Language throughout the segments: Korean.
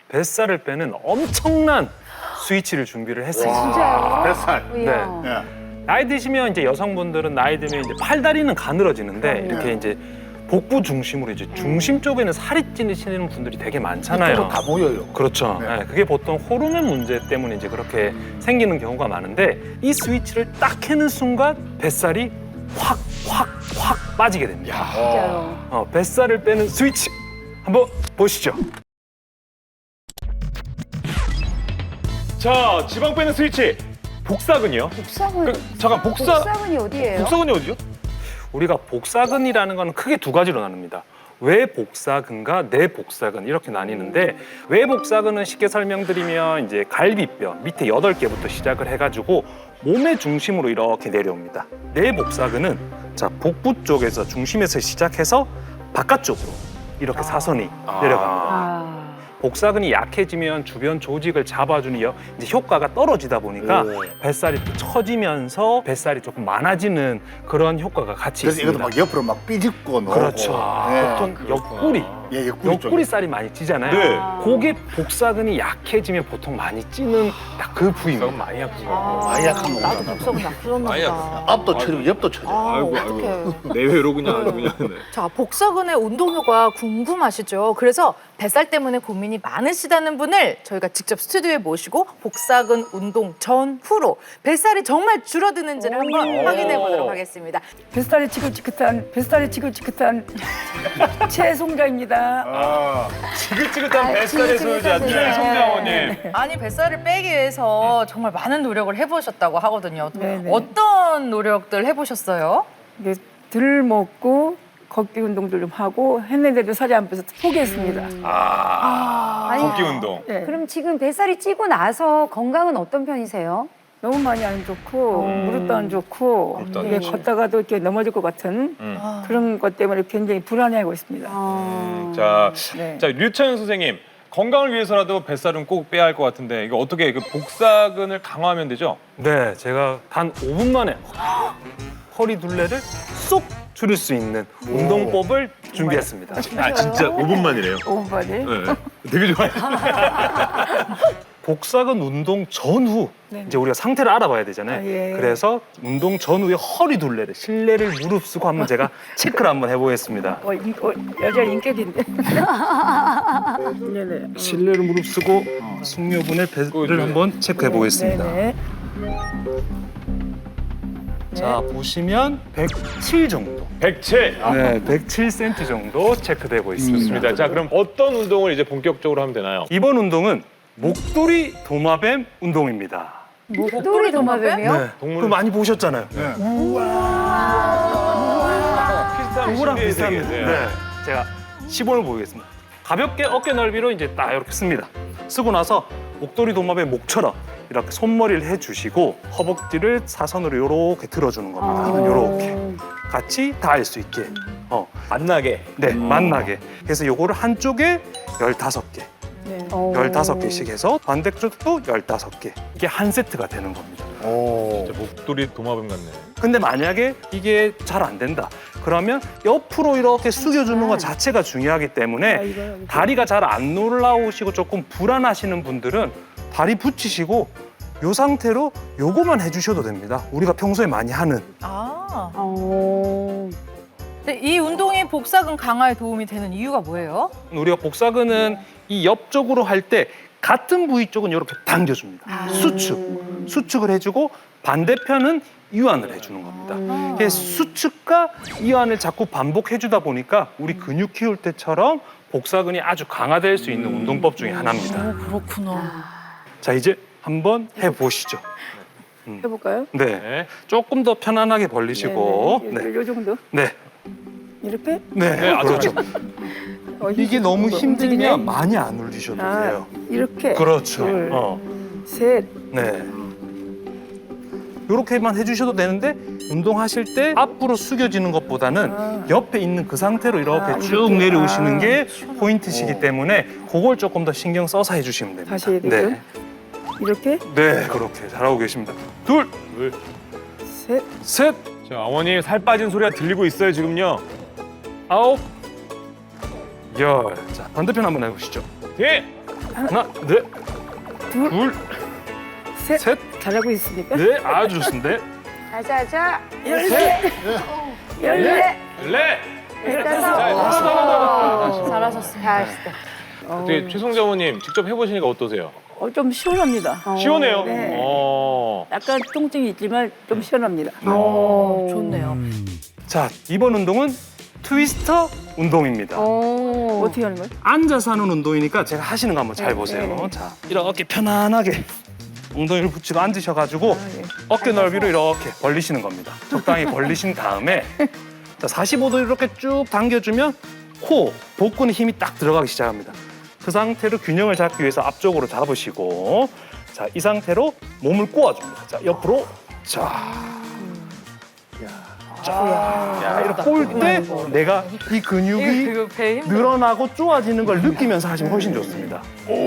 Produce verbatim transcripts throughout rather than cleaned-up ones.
뱃살을 빼는 엄청난 스위치를 준비를 했습니다. 진짜요? 뱃살. 네. 이야. 나이 드시면 이제 여성분들은 나이 들면 이제 팔다리는 가늘어지는데 이렇게 이제 복부 중심으로 이제 중심 쪽에는 살이 찌시는 분들이 되게 많잖아요. 다 보여요. 그렇죠. 네. 네, 그게 보통 호르몬 문제 때문에 이제 그렇게 생기는 경우가 많은데 이 스위치를 딱 켜는 순간 뱃살이 확, 확, 확 빠지게 됩니다. 진짜요. 어, 뱃살을 빼는 스위치 한번 보시죠. 자, 지방 빼는 스위치. 복사근이요? 복사근. 그, 잠깐, 복사, 복사근이 어디예요? 복사근이 어디죠? 우리가 복사근이라는 건 크게 두 가지로 나눕니다. 외복사근과 내복사근 이렇게 나뉘는데 외복사근은 쉽게 설명드리면 이제 갈비뼈 밑에 여덟 개부터 시작을 해가지고 몸의 중심으로 이렇게 내려옵니다. 내복사근은 자 복부 쪽에서 중심에서 시작해서 바깥쪽으로 이렇게 사선이 내려갑니다. 아. 복사근이 약해지면 주변 조직을 잡아주는 여- 이제 효과가 떨어지다 보니까 오. 뱃살이 또 처지면서 뱃살이 조금 많아지는 그런 효과가 같이 그래서 있습니다. 이것도 막 옆으로 막 삐집고 넣고. 그렇죠. 네. 보통 옆구리, 예, 옆구리 옆구리 쪽에. 살이 많이 찌잖아요. 네. 그게 복사근이 약해지면 보통 많이 찌는 딱 그 부위입니다. 많이 아프죠. 많이 약한 거 나도 같다. 복사근 나쁘었나 많이 보다. 앞도 쳐지고 옆도 쳐져. 아, 아이고, 어떡해. 아이고. 내외로 그냥 아주 그냥. 네. 자, 복사근의 운동 효과 궁금하시죠? 그래서 뱃살 때문에 고민이 많으시다는 분을 저희가 직접 스튜디오에 모시고 복사근 운동 전후로 뱃살이 정말 줄어드는지를 한번 확인해 보도록 하겠습니다. 뱃살이 지긋지긋한 뱃살이 지긋지긋한 최송자입니다. 아, 지긋지긋한 뱃살의 소유자 지긋지긋하시네. 최송장원님. 아니, 뱃살을 빼기 위해서 정말 많은 노력을 해보셨다고 하거든요. 네네. 어떤 노력들 해보셨어요? 이게 덜 먹고 걷기 운동도 좀 하고 했는데도 살이 안 빼서 포기했습니다. 아, 아니, 걷기 운동. 네. 그럼 지금 뱃살이 찌고 나서 건강은 어떤 편이세요? 너무 많이 안 좋고 무릎도 안 좋고 무릎도 안 이게 좋지. 걷다가도 이렇게 넘어질 것 같은 음. 그런 것 때문에 굉장히 불안해하고 있습니다. 아. 자, 네. 자 류채연 선생님. 건강을 위해서라도 뱃살은 꼭 빼야 할 것 같은데 이거 어떻게 그 복사근을 강화하면 되죠? 네, 제가 단 오 분 만에 허리 둘레를 쏙 줄일 수 있는 운동법을 준비했습니다. 아 진짜 오 분 만이래요. 오 분 만에. 네. 되게 좋아요. 복사근 운동 전후 네. 이제 우리가 상태를 알아봐야 되잖아요. 아, 예. 그래서 운동 전후에 허리 둘레를 실내를 무릅쓰고 한번 제가 체크를 한번 해보겠습니다. 어, 인, 어, 여자 인격인데. 네네. 실내를 무릅쓰고 숙녀분의 배를 한번 체크해 보겠습니다. 네네. 자 보시면 백칠 정도. 백칠. 아, 네, 백칠 센티미터 정도 체크되고 있습니다. 좋습니다. 자 그럼 어떤 운동을 이제 본격적으로 하면 되나요? 이번 운동은 목도리 도마뱀 운동입니다. 목도리 도마뱀이요? 네, 동물- 그거 많이 보셨잖아요. 비슷한 그거랑 신비의 비슷합니다. 세계. 네, 제가 시범을 보이겠습니다. 가볍게 어깨 넓이로 이제 딱 이렇게 씁니다. 쓰고 나서 목도리 도마뱀 목처럼 이렇게 손머리를 해주시고 허벅지를 사선으로 이렇게 들어주는 겁니다. 이렇게 같이 닿을 수 있게. 어, 만나게. 네, 만나게. 그래서 요거를 한쪽에 열다섯 개, 네. 오. 열다섯 개씩 해서 반대쪽도 열다섯 개. 이게 한 세트가 되는 겁니다. 오. 진짜 목도리 도마뱀 같네. 근데 만약에 이게 잘 안 된다. 그러면 옆으로 이렇게 숙여주는 것 자체가 중요하기 아, 때문에 이거, 이거. 다리가 잘 안 올라오시고 조금 불안하시는 분들은 다리 붙이시고 요 상태로 요거만 해주셔도 됩니다. 우리가 평소에 많이 하는. 아, 오. 근데 이 운동이 복사근 강화에 도움이 되는 이유가 뭐예요? 우리가 복사근은 이 옆쪽으로 할 때 같은 부위 쪽은 이렇게 당겨줍니다. 수축, 수축을 해주고 반대편은 이완을 해주는 겁니다. 그래서 수축과 이완을 자꾸 반복해주다 보니까 우리 근육 키울 때처럼 복사근이 아주 강화될 수 있는 운동법 중에 하나입니다. 그렇구나. 자, 이제 한번 해보시죠. 해볼까요? 네, 네. 조금 더 편안하게 벌리시고, 네, 네. 요 정도. 네, 이렇게. 네, 네, 아, 그렇죠. 어, 이게 너무 움직이네. 힘들면 많이 안 올리셔도 아, 돼요. 이렇게. 그렇죠. 둘, 어, 셋. 네. 이렇게만 해주셔도 되는데 운동하실 때 앞으로 숙여지는 것보다는 아. 옆에 있는 그 상태로 이렇게 아, 쭉 이렇게. 내려오시는 아. 게 포인트시기 때문에 그걸 조금 더 신경 써서 해주시면 됩니다. 다시 해야 되죠? 네, 이렇게. 네, 그렇게 잘하고 계십니다. 둘, 둘. 셋. 셋, 자 어머님 살 빠진 소리가 들리고 있어요 지금요. 아홉, 열. 자, 반대편 한번 해보시죠. 예. 하나, 네, 둘, 둘, 셋. 셋, 잘하고 있습니까? 네, 아주 좋습니다. 자자자. 열셋, 열넷, 네. 열다섯. 자, 하나 더, 하나 더, 하나 더. 잘하셨습니다. 잘하시다. 어떻게 최성자 어머님 직접 해보시니까 어떠세요? 어, 좀 시원합니다. 시원해요. 네. 어. 약간 통증이 있지만 좀 시원합니다. 어, 좋네요. 자, 이번 운동은 트위스터 운동입니다. 오. 어떻게 하는 거예요? 앉아서 하는 운동이니까 제가 하시는 거 한번 잘 보세요. 자, 이렇게 편안하게 엉덩이를 붙이고 앉으셔가지고 어깨 넓이로 이렇게 벌리시는 겁니다. 적당히 벌리신 다음에 자, 사십오 도 이렇게 쭉 당겨주면 코, 복근에 힘이 딱 들어가기 시작합니다. 그 상태로 균형을 잡기 위해서 앞쪽으로 잡으시고 자, 이 상태로 몸을 꼬아줍니다. 자, 옆으로 자, 자, 야, 이렇게 꼬을 때 내가 이 근육이 배 힘. 늘어나고 쪼아지는 걸 느끼면서 하시면 훨씬 좋습니다.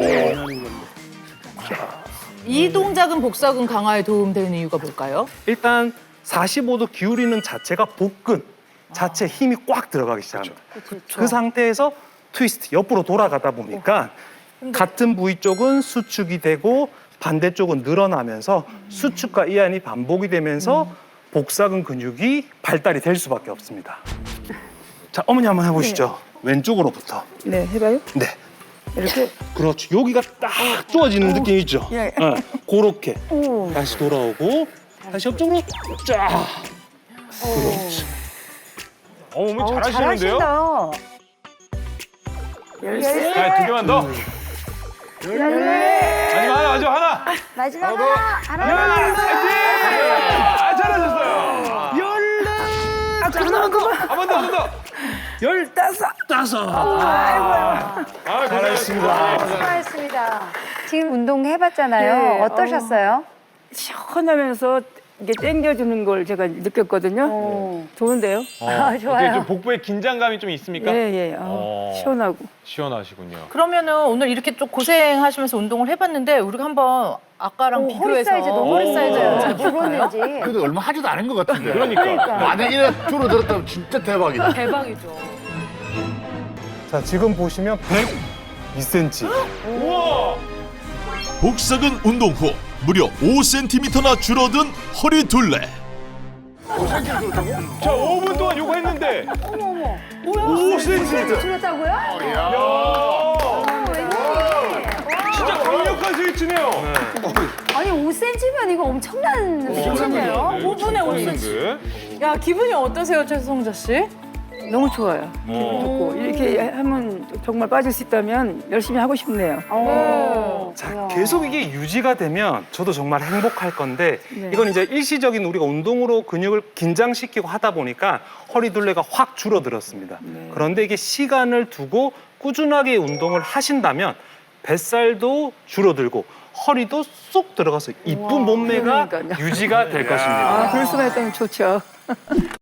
이 동작은 복사근 강화에 도움되는 이유가 뭘까요? 일단 사십오 도 기울이는 자체가 복근 자체 힘이 꽉 들어가기 시작합니다. 그 상태에서 트위스트 옆으로 돌아가다 보니까 같은 부위 쪽은 수축이 되고 반대쪽은 늘어나면서 수축과 이완이 반복이 되면서 복사근 근육이 발달이 될 수밖에 없습니다. 자, 어머니 한번 해보시죠. 왼쪽으로부터. 네, 해봐요. 네. 이렇게. 그렇죠. 여기가 딱 쪼아지는 느낌 있죠? 예. 네. 그렇게 오. 다시 돌아오고 다시 옆쪽으로 쫙. 그렇지. 어, 어머니 어, 잘하시는데요? 잘하신다. 열셋, 자, 두 개만 더. 열네. 마지막 하나, 마지막 하나. 마지막 하나. 하나. 아, 잘하셨어요. 아, 그만, 그만. 한 번 더, 한 번 더. 열다섯. 따서. 아, 잘하셨습니다. 수고하셨습니다. 지금 운동 해봤잖아요. 네, 어떠셨어요? 시원하면서 이게 당겨주는 걸 제가 느꼈거든요. 어. 좋은데요? 아, 좋아요. 어떻게 좀 복부에 긴장감이 좀 있습니까? 예, 예. 아, 어. 시원하고. 시원하시군요. 그러면은 오늘 이렇게 좀 고생하시면서 운동을 해봤는데 우리가 한번 아까랑 오, 비교해서 허리 사이즈 너무 허리 사이즈를 잘 잘 볼까요? 줄었는지. 그래도 얼마 하지도 않은 것 같은데. 그러니까. 만약 이래 줄어들었다면 진짜 대박이다. 대박이죠. 자, 지금 보시면 백이 센티미터. 우와! 복사근 운동 후 무려 오 센티미터나 줄어든 허리 둘레. 자, 오 분 동안 요거 했는데. 어머 어머. 오 센티미터. 줄였다고요? 야, 어, 웬일이? 진짜 강력한 스위치네요. 아니 오 센티미터면 이거 엄청난 수치네요. 오 분에 오 센티미터. 야, 기분이 어떠세요, 최성자 씨? 너무 좋아요. 기분 좋고. 이렇게 하면 정말 빠질 수 있다면 열심히 하고 싶네요. 어. 자, 계속 이게 유지가 되면 저도 정말 행복할 건데 네. 이건 이제 일시적인 우리가 운동으로 근육을 긴장시키고 하다 보니까 허리 둘레가 확 줄어들었습니다. 네. 그런데 이게 시간을 두고 꾸준하게 운동을 하신다면 뱃살도 줄어들고 허리도 쏙 들어가서 이쁜 몸매가 그러니까요. 유지가 될 것입니다. 아, 그럴 수만 있다면 좋죠.